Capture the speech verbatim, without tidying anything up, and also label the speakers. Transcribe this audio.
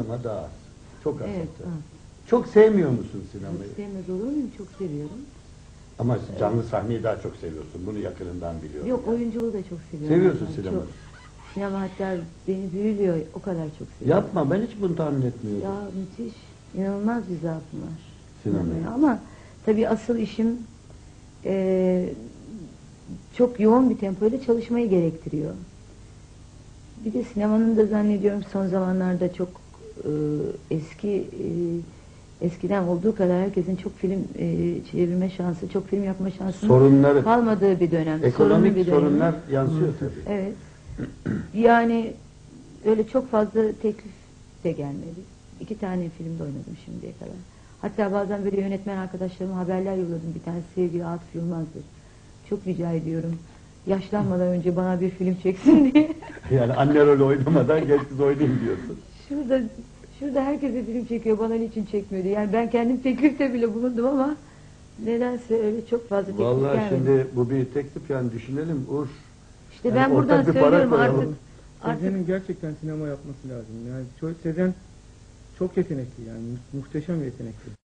Speaker 1: ama daha az. Çok az.
Speaker 2: Evet,
Speaker 1: hatta.
Speaker 2: az.
Speaker 1: Çok sevmiyor musun sinemayı?
Speaker 2: Çok sevmez olur muyum? Çok seviyorum.
Speaker 1: Ama canlı sahneyi daha çok seviyorsun. Bunu yakınından biliyorum.
Speaker 2: Yok,
Speaker 1: yani.
Speaker 2: oyunculuğu da çok seviyorum.
Speaker 1: Seviyorsun
Speaker 2: Ben
Speaker 1: sinemayı.
Speaker 2: çok. Sinema hatta beni büyülüyor. O kadar çok seviyorum.
Speaker 1: Yapma, ben hiç bunu tahmin etmiyordum.
Speaker 2: Ya müthiş. İnanılmaz bir zaafım var.
Speaker 1: Sinemaya.
Speaker 2: Sinemaya. Ama tabii asıl işim eee, çok yoğun bir tempoyla çalışmayı gerektiriyor. Bir de sinemanın da zannediyorum son zamanlarda çok eee, eski eee, eskiden olduğu kadar herkesin çok film eee, çevirme şansı, çok film yapma şansının
Speaker 1: Sorunları,
Speaker 2: kalmadığı bir dönem. Sorunlu
Speaker 1: ekonomik
Speaker 2: bir dönem.
Speaker 1: sorunlar yansıyor tabii.
Speaker 2: Evet. Yani öyle çok fazla teklif de gelmedi. İki tane filmde oynadım şimdiye kadar. Hatta bazen böyle yönetmen arkadaşlarıma haberler yolladım. Bir tanesi sevgili Atıf Yılmaz'dır. Çok rica ediyorum. Yaşlanmadan önce bana bir film çeksin diye.
Speaker 1: Yani anne rolü oynamadan genç kız oynayayım diyorsun.
Speaker 2: Şurada şurada herkese film çekiyor. Bana niçin çekmiyor diye. Yani ben kendim teklifte bile bulundum ama nedense öyle çok fazla teklif
Speaker 1: Vallahi
Speaker 2: gelmedi.
Speaker 1: şimdi bu bir teklif, yani düşünelim Uğur.
Speaker 2: İşte
Speaker 1: yani
Speaker 2: ben buradan
Speaker 1: ortak bir para
Speaker 2: söylüyorum
Speaker 1: koyalım.
Speaker 2: artık. Artık
Speaker 3: Sezen'in gerçekten sinema yapması lazım. Yani çok, Sezen çok yetenekli, yani mu- muhteşem yetenekli.